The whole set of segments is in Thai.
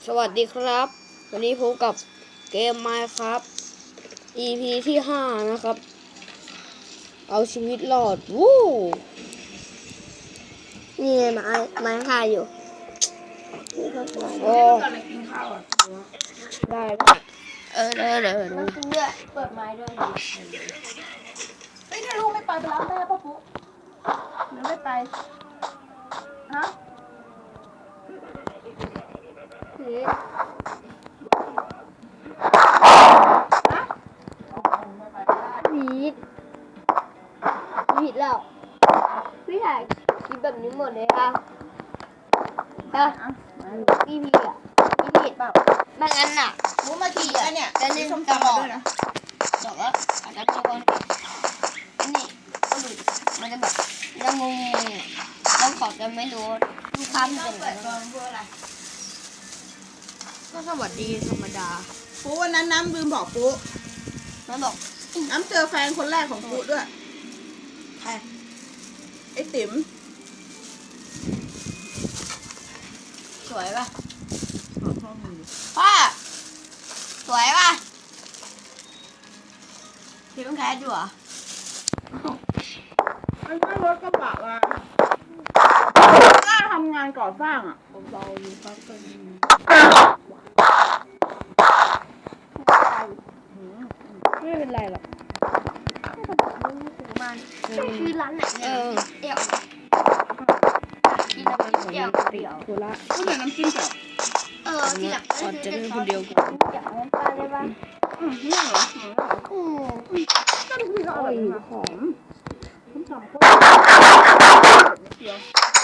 สวัสดีครับวันนี้พบกับเกม Minecraft EP ที่5นะครับเอาชีวิตรอดวู้นี่ไม้ค่าอยู่โอ้ได้เดี๋ยวมันกินด้วยเปิดไม้ด้วยเฮ้ยถ้าลูกไม่ไปรับแม่ป่ะปุ๊หรือไม่ไปฮะผีผิดแล้วพี่ถ่ายคลิปแบบนี้หมดเลยค่ะพี่อ่ะพี่ผิดเปล่าไม่งั้นน่ะรู้มากี่อ่ะเนี่ยจะเล่นตลอดบอกว่าอาจจะมีคนนี่ก็ดูมันจะแบบจะงงแล้วเขาจะไม่รู้ลูกค้ามันเป็นอะไรก็สวัสดีธรรมดาปุ๊วันนั้นน้ำลืมบอกปุ๊มันบอกน้ำเจอแฟนคนแรกของปุ๊ด้วยใครไอ้ติ๋มสวยป่ะพ่อสวยป่ะพี่ต้องแคสอยู่เหรอมันก็รถกระบะมาน่าทำงานก่อสร้างอ่ะเบาๆมีพักกันไม่เป็นไรหรอกชื่อร้านไหนเนี่ยเดี่ยวกินอะไรเดี่ยวเดี่ยวโคราชก็เลยน้ำจิ้มแบบที่หลังก่อนจะเล่นคนเดียวกันเดี่ยวน้ำตาลได้ป่ะนี่เหรอก็ดูที่อร่อยหอมผมทำโคตรเดียว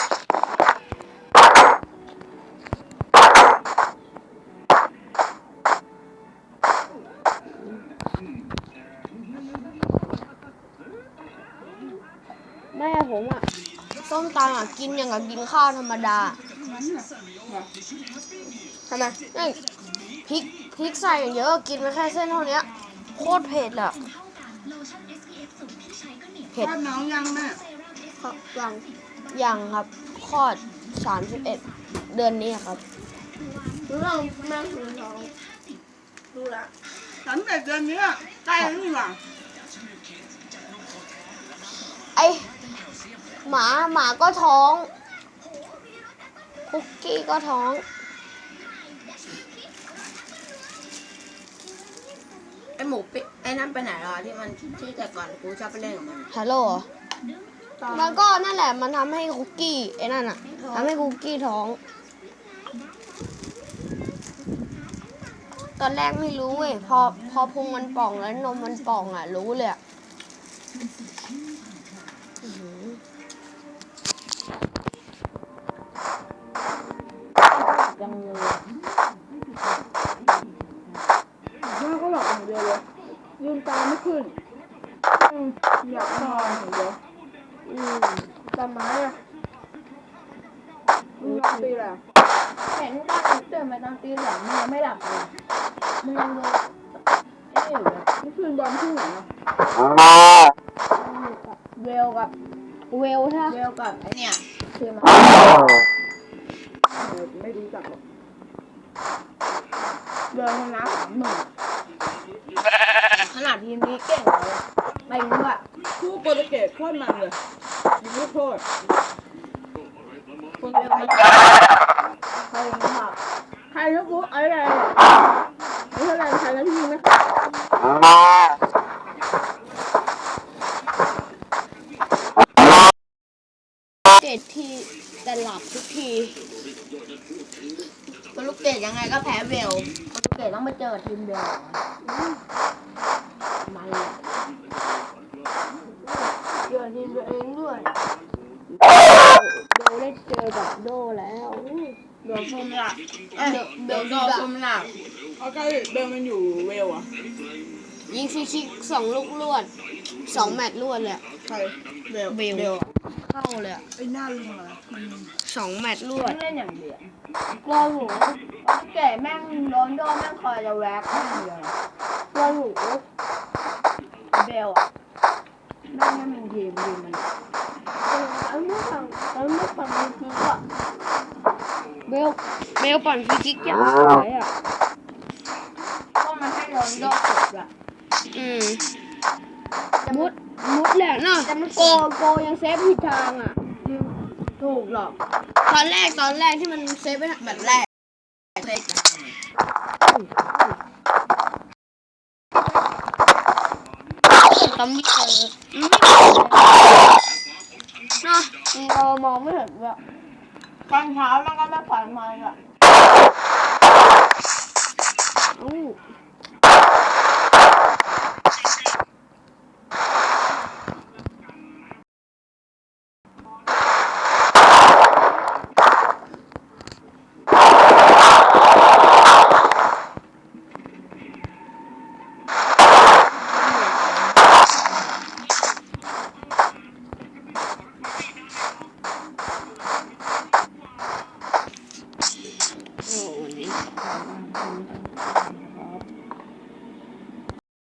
แม่ผมอ่ะส้มตำอ่ะกินอย่างกับกินข้าวธรรมดาทำไมนี่พริกใส่เยอะกินไปแค่เส้นเท่านี้โคตรเผ็ดอ่ะเผ็ดน้องยังแม่ยังครับคลอด31เดือนนี้ครับรู้เราแม่คุณท้องรู้ละ 31 เดือนนี้ใกล้แล้วนี่หว่าไอหมาก็ท้องคุกกี้ก็ท้องไอหมูปิ๊ไอนั่นไปไหนล่ะที่มันที่แต่ก่อนกูชอบไปเล่นกับมันฮัลโหลมันก็นั่นแหละมันทำให้คุกกี้ไอ้นั่นอ่ะทำให้คุกกี้ท้องตอนแรกไม่รู้เว้ยพอพุงมันป่องแล้วนมมันป่องอ่ะรู้เลยยังเลยแม่ก็หลับอย่างเดียวเลยยืนตาไม่ขึ้นอยากนอนอย่างเดียวตาไม้อะนอนตีแหละเห็นตอนตื่นมาตอนตีสองมันยังไม่หลับเลยมันยังดูไอ้นี่อยู่เลยนี่คืนบอลที่ไหนอ่ะเวลกับเวลใช่เวลกับไอเนี่ยคือมาไม่รู้จักหรอกเวลชนะ30,000ขนาดทีมนี้เก่งเลยไปรู้อะคู่โปรตุเกสโคตรมันเลยยิงลูกโทษคนเวลมันใครรู้อะใครนะปุ๊อะไรไม่เท่าไรใครนะพี่ยิงไหม 7 ทีแต่หลับทุกทีโปรตุเกสยังไงก็แพ้เวลโปรตุเกสต้องมาเจอทีมเวลมันเจอทีมตัวเองด้วยโดได้เจอกับโดแล้วโดนชมหลักเบลโดชมหลักเขาใกล้เบลมันอยู่เวลอ่ะยิงฟรีคิก2 ลูกรวด2 แมตช์รวดเลยใครเบลเข้าเลยไอ้หน้าลุงอะไร 2 แมตช์รวดเล่นอย่างเดียวกลัวหนูเก๋แม่งโดนโดนแม่งคอยจะแวกอย่างเดียวกลัวหนูเบลอะแม่งไม่มีทีมมันแล้วไม่ฟังจริงๆอะเบลปั่นฟรีคิกอย่างสวยอ่ะก็มันให้เราโดนกดอะมุดแหละเนาะโกยังเซฟผิดทางอ่ะถูกหรอกตอนแรกที่มันเซฟไปแบบแรกเลยต้องมีเจอเนาะเรามองไม่เห็นเลยตอนเช้ามันก็ไม่ปล่อยมันอะอู้โอ้นี่